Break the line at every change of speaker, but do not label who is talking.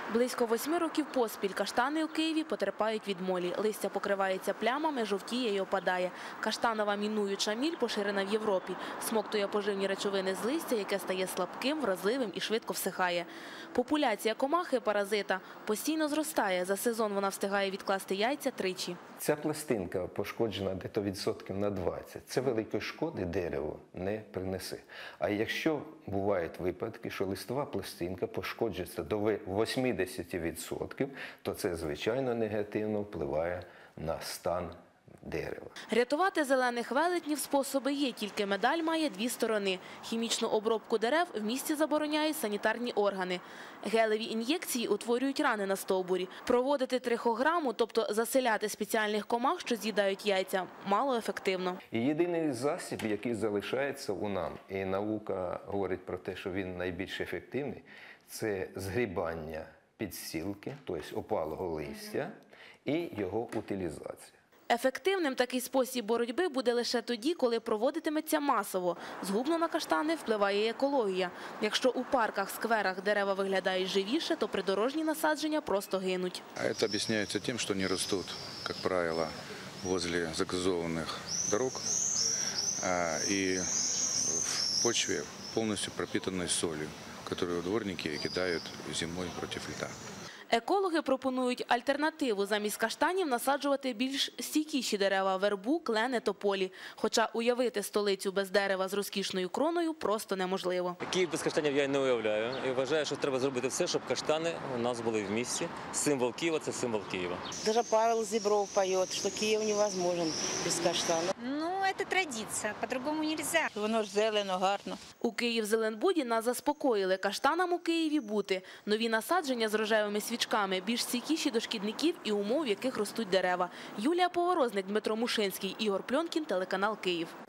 Близько 8 років поспіль каштани у Києві потерпають від молі. Листя покривається плямами, жовтіє і опадає. Каштанова мінуюча міль поширена в Європі. Смоктує поживні речовини з листя, яке стає слабким, вразливим і швидко всихає. Популяція комахи-паразита постійно зростає. За сезон вона встигає відкласти яйця тричі.
Ця пластинка пошкоджена десь відсотків на 20. Це великої шкоди дереву не принесе. А якщо бувають випадки, що листова пластинка пошкоджується до 80%, то це, звичайно, негативно впливає на стан дерева.
Рятувати зелених велетнів способи є, тільки медаль має дві сторони. Хімічну обробку дерев в місті забороняють санітарні органи. Гелеві ін'єкції утворюють рани на стовбурі. Проводити трихограму, тобто заселяти спеціальних комах, що з'їдають яйця, малоефективно.
І єдиний засіб, який залишається у нам, і наука говорить про те, що він найбільш ефективний, це згрібання підстілки, тобто опалого листя, і його утилізація.
Ефективним такий спосіб боротьби буде лише тоді, коли проводитиметься масово. Згубно на каштани впливає і екологія. Якщо у парках, скверах дерева виглядають живіше, то придорожні насадження просто гинуть.
Это объясняется тем, что они растут, как правило, возле загазованных дорог и в почве, полностью пропитанной солью, которую дворники кидают зимой против льда.
Екологи пропонують альтернативу: замість каштанів насаджувати більш стійкіші дерева – вербу, клени, тополі. Хоча уявити столицю без дерева з розкішною кроною просто неможливо.
Київ без каштанів я не уявляю. І вважаю, що треба зробити все, щоб каштани у нас були в місті. Символ Києва – це символ Києва.
Даже Павел Зібров поет, що Київ невозможен без каштану.
Ну, це традиція, по-другому нельзя.
Воно ж зелено, гарно.
У Київзеленбуді нас заспокоїли: каштанам у Києві бути. Нові насадження з рожевими свічками більш стійкіші до шкідників і умов, в яких ростуть дерева. Юлія Поворозник, Дмитро Мушинський, Ігор Пльонкін, телеканал Київ.